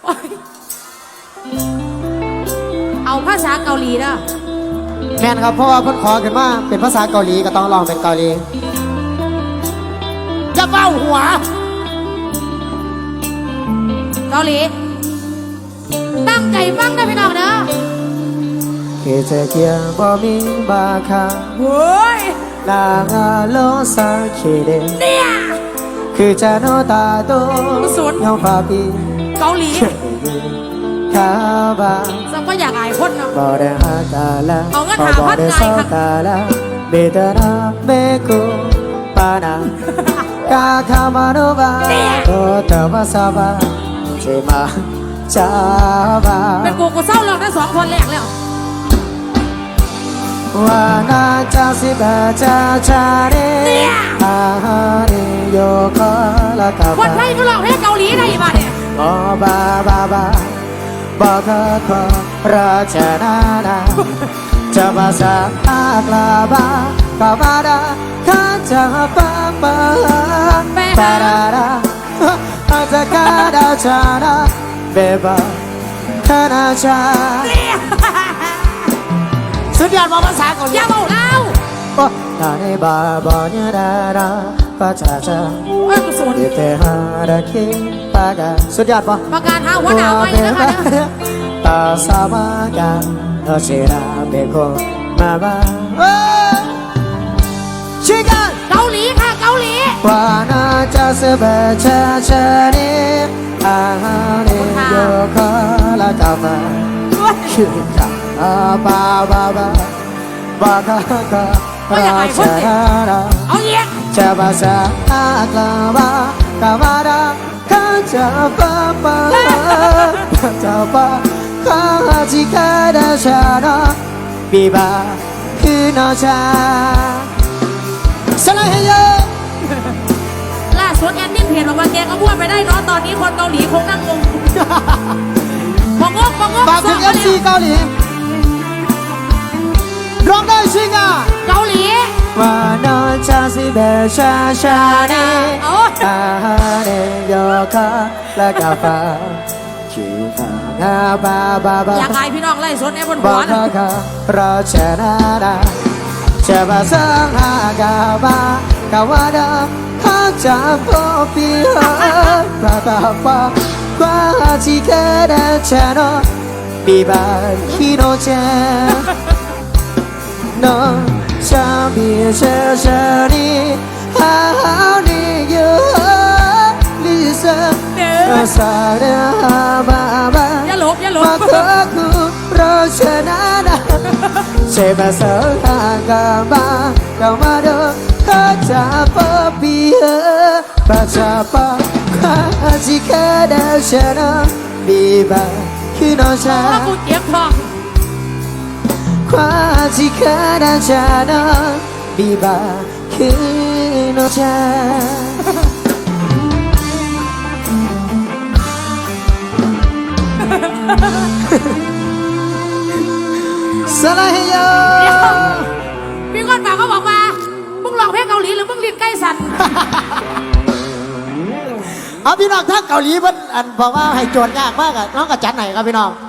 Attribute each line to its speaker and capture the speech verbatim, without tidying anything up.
Speaker 1: เอาภาษาเกาหลีนะ
Speaker 2: แม่นครับเพราะว่าเพิ่นขอขึ้นมาเป็นภาษาเกาหลีก็ต้องร้องเป็นเกาหลีจะเบ้าหัว
Speaker 1: เกาหลีตั้งใจฟังนะพี่น้องเด้อ
Speaker 2: คือเธอเกี่ยวบ่มีบาคา
Speaker 1: โว้ย
Speaker 2: นางาโลซาคิเด
Speaker 1: เนี่ย
Speaker 2: คือจะโนตาโต
Speaker 1: สุด
Speaker 2: เงาฟ้าปี
Speaker 1: เกาหลี
Speaker 2: คาบา
Speaker 1: สักว่าอยากอายคนเนาะ
Speaker 2: บ่ได้หาตาละ
Speaker 1: เอาเงินหาพันไงครับ
Speaker 2: ตาละเบตนาเมกุปานากาคามาโนบาโตตะวาซาบาเจมาจาบา
Speaker 1: เป็นกูกูเศร้าลองได้สองคนแรกแล้ว
Speaker 2: วานาจาสิบาจาจาเรอาฮาเรโยคาลากา
Speaker 1: คนไทยก็ร้องเพลงเกาหลีได้บ้าเนี่ย
Speaker 2: โอบาบาบาบาคาคาราชนานาจะภาษาอักลาบากาบาดาคาจาปาปาปาราราอาจกาดาชานาเบบาคานาชาสุดยอดภาษาเกาหลี
Speaker 1: อย่าบอกเรา
Speaker 2: โอ้นาเนบาบาเนดาราปาชาชา
Speaker 1: เอ้ยกูสน
Speaker 2: เดเตฮาราคิปากาสุดยอดปะ
Speaker 1: ประกาศหาหัวหน้าไม่นะคะ
Speaker 2: ตาสามากาโนเชราเบโคมาบาชิกัน
Speaker 1: เกาหลีค่ะเกาหลี
Speaker 2: วานาจาเสบชาชาเนอาฮาเนโยคาลากามาชิกันอาบาบาบาบาคาคาราชารา
Speaker 1: เอาเยี่ย
Speaker 2: จะภาษาอักลาบากามาดาคาจะปาปาจะปาคาจิคาดาชานาบีบาคือนาชาสลายเฮโย
Speaker 1: ล่าสุดแอนนี่เพจบอกว่าแกก็พูดไปได้เนาะตอนนี้คนเกาหลีคงนั่งงงพองกพองก
Speaker 2: ฝากถึงเอฟซีเกาหลีร้องได้ชิงอ่ะ
Speaker 1: เกาหลี
Speaker 2: วานอชาซิเบชาชาเนอาฮาเนโยคาและกาฟาคิฟางาบาบาบา
Speaker 1: อยากอายพี่น้องไล่สดในบนหั
Speaker 2: วนะคาราชนาดาเชบาสังฮากาบากาวาดาฮาจาโปปีฮาบาตาปาควาจิกาดาชาโนบีบาฮิโนเจno shabi shashari how do you listen asara baba
Speaker 1: อย่าหลบอย่าหลบ
Speaker 2: makaku roshanana sebasa agama kamado kacapa biha bacapa kajika dashana biba kinosha
Speaker 1: กูเจ็บท้อง
Speaker 2: ความที่เคยได้ชนะบีบาคือโนชาสลายโย
Speaker 1: พี่คนฝากเขาบอกว่ามึงร้องเพลงเกาหลีหรือมึงลิ้นใกล้สั่น
Speaker 2: เอาพี่น้องทั้งเกาหลีเพิ่นอันบอกว่าให้โจทย์ยากมากอะน้องกับจันไหนครับพี่น้อง